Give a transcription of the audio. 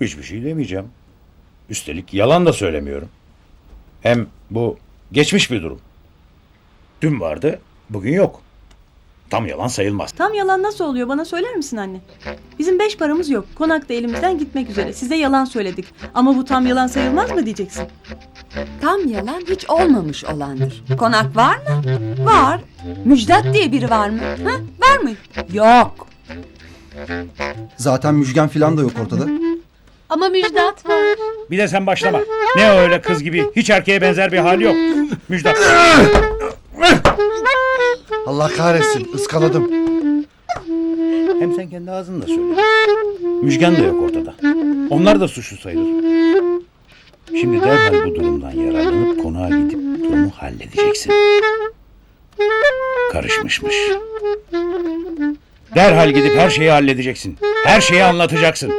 Hiçbir şey demeyeceğim. Üstelik yalan da söylemiyorum. Hem bu geçmiş bir durum. Dün vardı, bugün yok. Tam yalan sayılmaz. Tam yalan nasıl oluyor bana söyler misin anne? Bizim 5 paramız yok. Konak da elimizden gitmek üzere. Size yalan söyledik. Ama bu tam yalan sayılmaz mı diyeceksin? Tam yalan hiç olmamış olandır. Konak var mı? Var. Müjdat diye biri var mı? Ha? Var mı? Yok. Zaten Müjgan falan da yok ortada. Ama Müjdat var. Bir de sen başlama. Ne öyle kız gibi, hiç erkeğe benzer bir hali yok. Müjdat. Allah kahretsin, ıskaladım. Hem sen kendi ağzınla söyle. Müjgan da yok ortada. Onlar da suçlu sayılır. Şimdi derhal bu durumdan yararlanıp konağa gidip durumu halledeceksin. Karışmışmış. Derhal gidip her şeyi halledeceksin. Her şeyi anlatacaksın.